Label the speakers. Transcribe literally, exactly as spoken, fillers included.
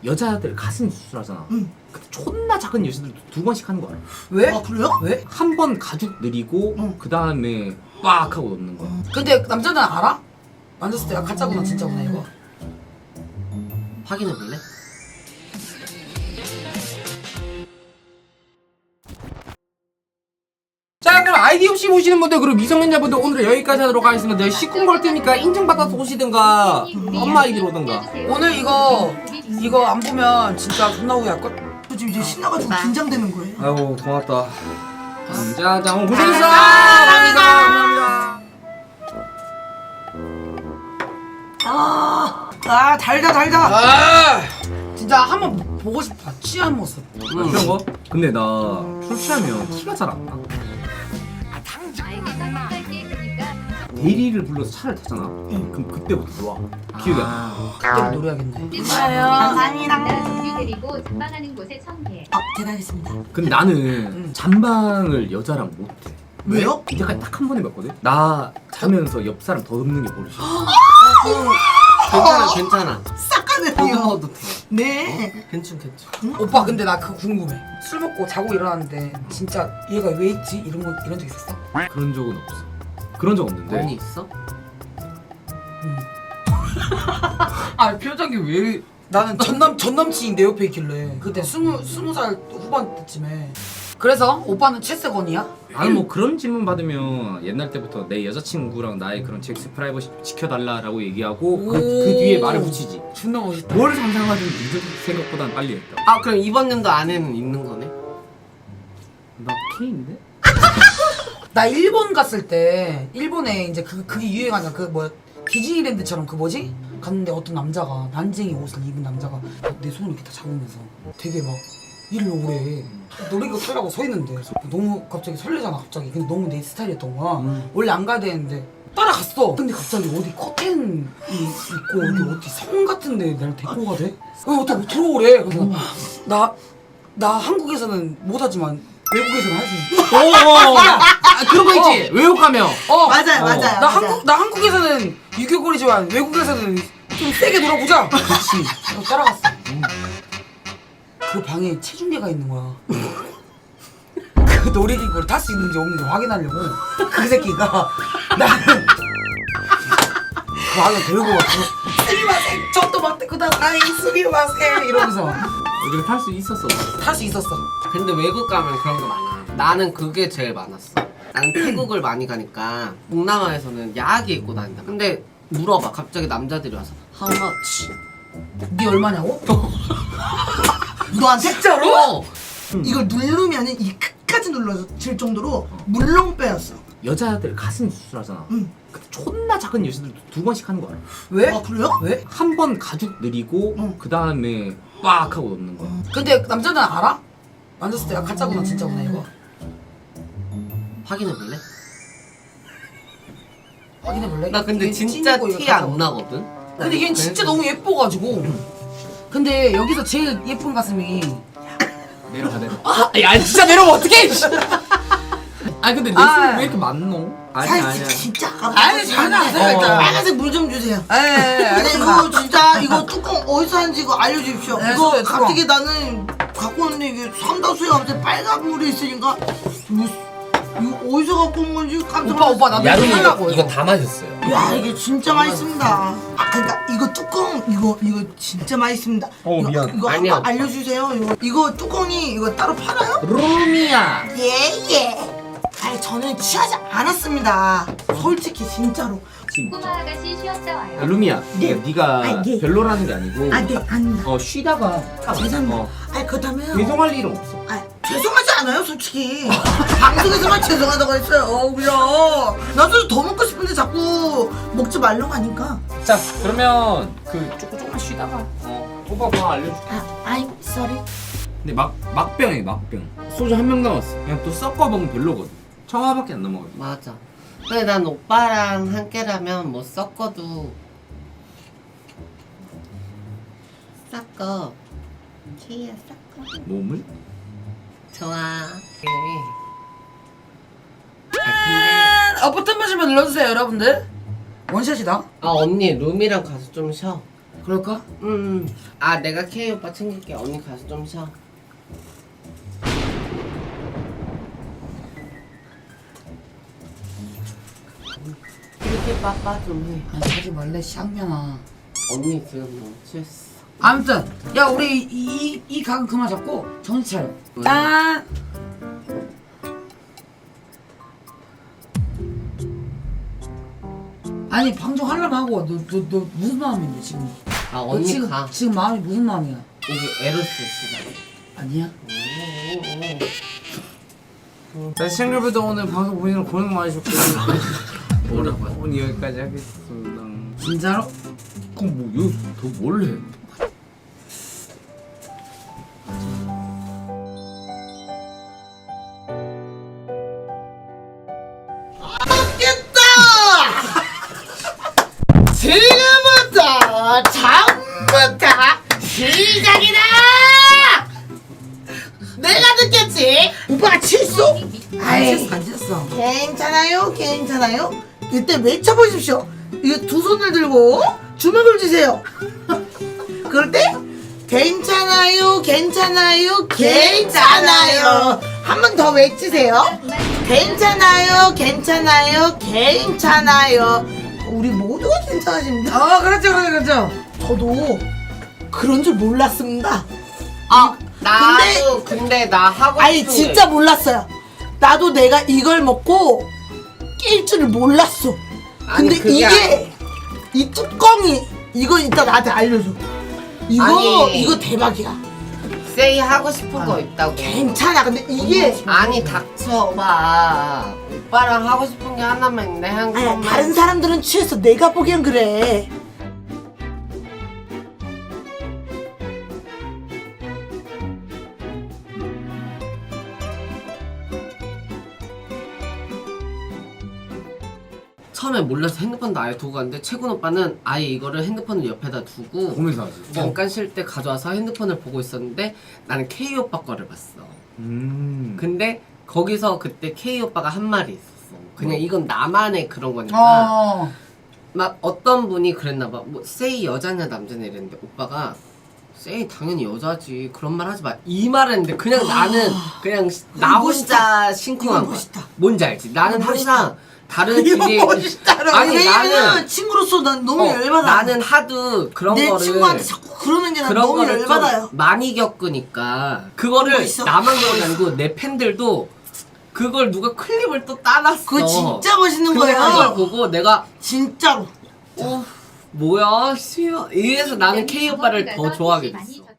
Speaker 1: 여자들 가슴 수술하잖아.
Speaker 2: 응.
Speaker 1: 근데 존나 작은 여자들도 두 번씩 하는 거야.
Speaker 3: 왜?
Speaker 2: 아 그래요?
Speaker 3: 왜?
Speaker 1: 한 번 가죽 느리고
Speaker 2: 응.
Speaker 1: 그 다음에 빡 하고 넣는 거야.
Speaker 3: 근데 남자는 알아? 만졌을 때 가짜구나 진짜구나 이거.
Speaker 4: 확인해 볼래?
Speaker 1: 자, 그럼 아이디 없이 보시는 분들, 그리고 미성년자분들 오늘 여기까지 하도록 하겠습니다. 식군 걸 테니까 인증받아서 오시든가 엄마 아이디로 오든가.
Speaker 3: 오늘 이거 이거 안 보면 진짜 존나 후회할걸?
Speaker 2: 저 지금 이제 신나가지고 긴장되는 거예요.
Speaker 1: 아이고 고맙다. 음, 자, 자, 오늘 고생했어.
Speaker 3: 감사합니다.
Speaker 1: 감사합니다.
Speaker 2: 아, 아 달다 달다.
Speaker 3: 아 진짜 한번 보고 싶다. 취한 모습.
Speaker 1: 그런 거? 근데 나 술 취하면 티가 잘 안 나. 대리를 불러서 차를 타잖아. 그럼 그때부터 좋아. 기억이 안 나.
Speaker 3: 그때를 노려야겠네.
Speaker 2: 감사합니다.
Speaker 5: 준비 데리고 잠방하는 곳에 청개.
Speaker 2: 아 대단하겠습니다.
Speaker 1: 근데 나는 잠방을 여자랑 못해.
Speaker 2: 왜요?
Speaker 1: 이제까지 딱 한 번 해봤거든? 나 자면서 옆 사람 더 눕는 게 버릇이야.
Speaker 4: 괜찮아 괜찮아.
Speaker 2: 싹가네요.
Speaker 4: 더듬어도 돼.
Speaker 2: 네.
Speaker 4: 괜찮 괜찮.
Speaker 3: 오빠 근데 나 그거 궁금해. 술 먹고 자고 일어났는데 진짜 얘가 왜 있지? 이런 거 이런 적 있었어?
Speaker 1: 그런 적은 없어. 그런 적 없는데.
Speaker 4: 언니 있어?
Speaker 3: 아 표정이 왜? 나는 전남 전남친이 내 옆에 있길래 그때 스무 스무 살 후반 때쯤에. 그래서 오빠는 채세건이야?
Speaker 1: 나는 뭐 그런 질문 받으면 옛날 때부터 내 여자친구랑 나의 그런 섹스 프라이버시 지켜달라라고 얘기하고 그, 그 뒤에 말을 붙이지.
Speaker 3: 존나 멋있다.
Speaker 1: 뭘 상상하든 네 생각보단 빨리 했다.
Speaker 4: 아 그럼 이번 연도 안에는 있는 거네?
Speaker 1: 나 K인데?
Speaker 3: 나 일본 갔을 때 일본에 이제 그 그게 유행하냐 그 뭐 디즈니랜드처럼 그 뭐지? 갔는데 어떤 남자가 난쟁이 옷을 입은 남자가 내 손을 이렇게 다 잡으면서 되게 막 일을 오래 놀이기구 타려고 서 있는데 그래서 너무 갑자기 설레잖아 갑자기. 근데 너무 내 스타일이었던 거야.
Speaker 1: 음.
Speaker 3: 원래 안 가야 되는데 따라갔어. 근데 갑자기 어디 커튼이 있고 여기 어디 성 같은데 나를 데리고 가대? 어, 어떻게 들어오래. 그래서 나, 나 한국에서는 못하지만 외국에서는 할 수 있어.
Speaker 1: 어, 아, 그런 거 있지. 외국 가면.
Speaker 3: 어.
Speaker 2: 맞아요
Speaker 1: 어.
Speaker 2: 맞아요.
Speaker 3: 나
Speaker 2: 맞아요.
Speaker 3: 한국 나 한국에서는 유교거리지만 외국에서는 좀 세게 놀아보자. 그렇지. 그래서 따라갔어. 그 방에 체중계가 있는 거야. 그 놀이기구를 탈 수 있는지 없는지 확인하려고 그 새끼가 나를 그 방에 데리고 왔어. 스미마셍 저도 맞대꾸다 아이 스미마셍 이러면서
Speaker 1: 여기를 탈 수 있었어.
Speaker 3: 탈 수 있었어.
Speaker 4: 근데 외국 가면 그런 거 많아. 나는 그게 제일 많았어. 나는 태국을 많이 가니까 동남아에서는 야하게 입고 다닌다. 근데 물어봐. 갑자기 남자들이 와서 How much?
Speaker 3: 네 얼마냐고?
Speaker 2: 너한테?
Speaker 3: 진짜로?
Speaker 4: 어.
Speaker 2: 이걸 누르면은 이 끝까지 눌러질 정도로 물렁빼였어.
Speaker 1: 여자들 가슴 수술하잖아.
Speaker 2: 응.
Speaker 1: 근데 존나 작은 여자들도 두 번씩 하는 거야.
Speaker 3: 왜?
Speaker 2: 아 그래요?
Speaker 3: 왜?
Speaker 1: 한 번 가죽 느리고
Speaker 2: 응.
Speaker 1: 그 다음에 빡 하고 넣는 거야.
Speaker 3: 근데 남자는 알아? 만졌을 때 가짜구나 진짜구나 이거.
Speaker 4: 확인해 볼래?
Speaker 3: 확인해 볼래?
Speaker 4: 나 근데
Speaker 3: 이게
Speaker 4: 진짜
Speaker 3: 찐이고 이거
Speaker 4: 티 안
Speaker 3: 가짜구나.
Speaker 4: 나거든.
Speaker 3: 근데 얘는 진짜 너무 예뻐가지고. 근데 여기서 제일 예쁜 가슴이.
Speaker 1: 내려가 내려. 아, 야 진짜 내려면 어떡해? 아 근데 내
Speaker 3: 아.
Speaker 1: 손이 왜 이렇게 많노? 아니
Speaker 2: 사실
Speaker 1: 아니야.
Speaker 2: 진짜
Speaker 3: 아니, 전혀 안 돼요, 일단.
Speaker 2: 빨간색 물 좀 주세요.
Speaker 3: 에
Speaker 2: 근데
Speaker 3: 알겠습니다.
Speaker 2: 이거 진짜 이거 뚜껑 어디서 하는지 이거 알려주십시오.
Speaker 3: 네,
Speaker 2: 이거
Speaker 3: 뚜껑, 뚜껑.
Speaker 2: 갑자기 나는 갖고 왔는데 이게 삼다수에 갑자기 빨간 물이 있으니까 뭐, 이거 어디서 갖고 온 건지 깜짝
Speaker 3: 오빠 오빠 나도 이거 하려고 이거.
Speaker 1: 다 마셨어요.
Speaker 2: 야 이게 진짜 맛있습니다. 아 그러니까 이거 뚜껑 이거 이거 진짜 맛있습니다.
Speaker 1: 어,
Speaker 2: 이거,
Speaker 1: 미안.
Speaker 2: 이거
Speaker 4: 아니야,
Speaker 2: 한번 알려주세요. 이거 이거 뚜껑이 이거 따로 팔아요?
Speaker 1: 루미야.
Speaker 2: 예예. 아니 저는 취하지 않았습니다. 솔직히 진짜로.
Speaker 5: 꼬마 아가씨 쉬었다 와요.
Speaker 1: 루미야.
Speaker 2: 네.
Speaker 1: 그러니까 네가
Speaker 2: 아, 예.
Speaker 1: 별로라는 게 아니고.
Speaker 2: 아 네 아닙니다.
Speaker 1: 어 쉬다가.
Speaker 2: 아, 죄송합니다.
Speaker 1: 어,
Speaker 2: 아니 그렇다면
Speaker 1: 죄송할 일은 없어.
Speaker 2: 아, 죄송하지 않아요, 솔직히. 방송에서만 죄송하다고 했어요. 어, 그냥. 나도 더 먹고 싶은데 자꾸 먹지 말라고 하니까.
Speaker 1: 자 그러면 그 조금 조금만 쉬다가. 어 오빠 뭐 알려줄게.
Speaker 2: 아, I'm sorry.
Speaker 1: 근데 막 막병이 막병. 소주 한 병 남았어. 그냥 또 섞어 먹으면 별로거든. 청아밖에 안 넘어가지.
Speaker 4: 맞아. 근데 난 오빠랑 함께라면 뭐 섞어도 섞어. 키야 섞어.
Speaker 1: 몸을?
Speaker 4: 좋아. 아
Speaker 3: 아 버튼 마시면 눌러주세요 여러분들. 원샷이다.
Speaker 4: 근데 아 언니 룸이랑 가서 좀 쉬어.
Speaker 3: 그럴까?
Speaker 4: 음. 아 내가 K 오빠 챙길게. 언니 가서 좀 쉬어. 이렇게 빠빠 좀 해.
Speaker 3: 아니 하지 말래 쌍년아.
Speaker 4: 언니 지금 너무 취했어.
Speaker 3: 아무튼 야 우리 이이 이 각은 그만 잡고 정신 차려. 짠. 아니 방송 하려면 하고 너 너 너 무슨 마음인데 지금?
Speaker 4: 아
Speaker 3: 너
Speaker 4: 언니
Speaker 3: 지금
Speaker 4: 가.
Speaker 3: 지금 마음이 무슨 마음이야?
Speaker 4: 이게 에로스 시간.
Speaker 3: 아니야?
Speaker 1: 자 시청자분들 오늘 방송 보시느라 고생 많으셨고 뭐라고요? 오늘 여기까지 하겠습니다.
Speaker 3: 진짜로?
Speaker 1: 그럼 뭐 여기 더뭘 해?
Speaker 2: 맞겠다. 지금부터 처음부터 시작이다. 내가 듣겠지. 오빠가 칠수? 아이
Speaker 3: 안 쳤어.
Speaker 2: 괜찮아요, 괜찮아요. 이때 외쳐보십시오. 이거 두 손을 들고 주먹을 쥐세요. 그럴 때 괜찮아요, 괜찮아요, 괜찮아요. 한 번 더 외치세요. 괜찮아요, 괜찮아요, 괜찮아요. 우리 모두가 괜찮아집니다.
Speaker 3: 어 그렇죠 그렇죠 그렇죠.
Speaker 2: 저도 그런 줄 몰랐습니다.
Speaker 4: 아 나도 근데, 나 하고
Speaker 2: 아니
Speaker 4: 싶은
Speaker 2: 진짜 몰랐어요. 나도 내가 이걸 먹고 낄 줄을 몰랐어.
Speaker 4: 아니,
Speaker 2: 근데
Speaker 4: 그게
Speaker 2: 이게
Speaker 4: 아니-
Speaker 2: 이 뚜껑이 이거 이따 나한테 알려줘. 이거
Speaker 4: 아니.
Speaker 2: 이거 대박이야.
Speaker 4: 게 세이 하고 싶은 거 있다고.
Speaker 2: 괜찮아. 근데 이게
Speaker 4: 아니 닥쳐봐. 오빠랑 하고 싶은 게 하나만 있는데 한
Speaker 2: 아니야
Speaker 4: 것만.
Speaker 2: 다른 사람들은 취했어. 내가 보기엔 그래.
Speaker 4: 처음에 몰라서 핸드폰도 아예 두고 갔는데 채군 오빠는 아예 이거를 핸드폰을 옆에다 두고
Speaker 1: 보면서 하지.
Speaker 4: 잠깐 쉴 때 가져와서 핸드폰을 보고 있었는데 나는 K 오빠 거를 봤어.
Speaker 1: 음.
Speaker 4: 근데 거기서 그때 K 오빠가 한 말이 있었어. 그냥 이건 나만의 그런 거니까.
Speaker 3: 어.
Speaker 4: 막 어떤 분이 그랬나 봐. 뭐 세이 여자냐 남자냐 이랬는데 오빠가 세이 당연히 여자지 그런 말 하지 마 이 말을 했는데 그냥 나는 그냥 나
Speaker 2: 이거 멋있다.
Speaker 4: 혼자 심쿵한
Speaker 2: 이거
Speaker 4: 거야.
Speaker 2: 멋있다.
Speaker 4: 뭔지 알지? 나는
Speaker 2: 이거 멋있다.
Speaker 4: 항상 다른
Speaker 2: 이거
Speaker 4: 길이
Speaker 2: 멋있다라.
Speaker 4: 아니
Speaker 2: 왜냐면
Speaker 4: 나는
Speaker 2: 친구로서 난 너무
Speaker 4: 어,
Speaker 2: 열받아.
Speaker 4: 나는 하도 그런
Speaker 2: 내
Speaker 4: 거를
Speaker 2: 친구한테 자꾸 그러는 게 난
Speaker 4: 그런
Speaker 2: 너무
Speaker 4: 거를 좀
Speaker 2: 열받아요.
Speaker 4: 많이 겪으니까 그거를
Speaker 2: 멋있어.
Speaker 4: 나만 그런 게 아니고 내 팬들도 그걸 누가 클립을 또 따놨어.
Speaker 2: 그거 진짜 멋있는
Speaker 4: 근데 그걸
Speaker 2: 거예요.
Speaker 4: 보고 내가
Speaker 2: 진짜로.
Speaker 4: 어 뭐야 수요 이래서 나는 K 오빠를 더 좋아하게 됐어.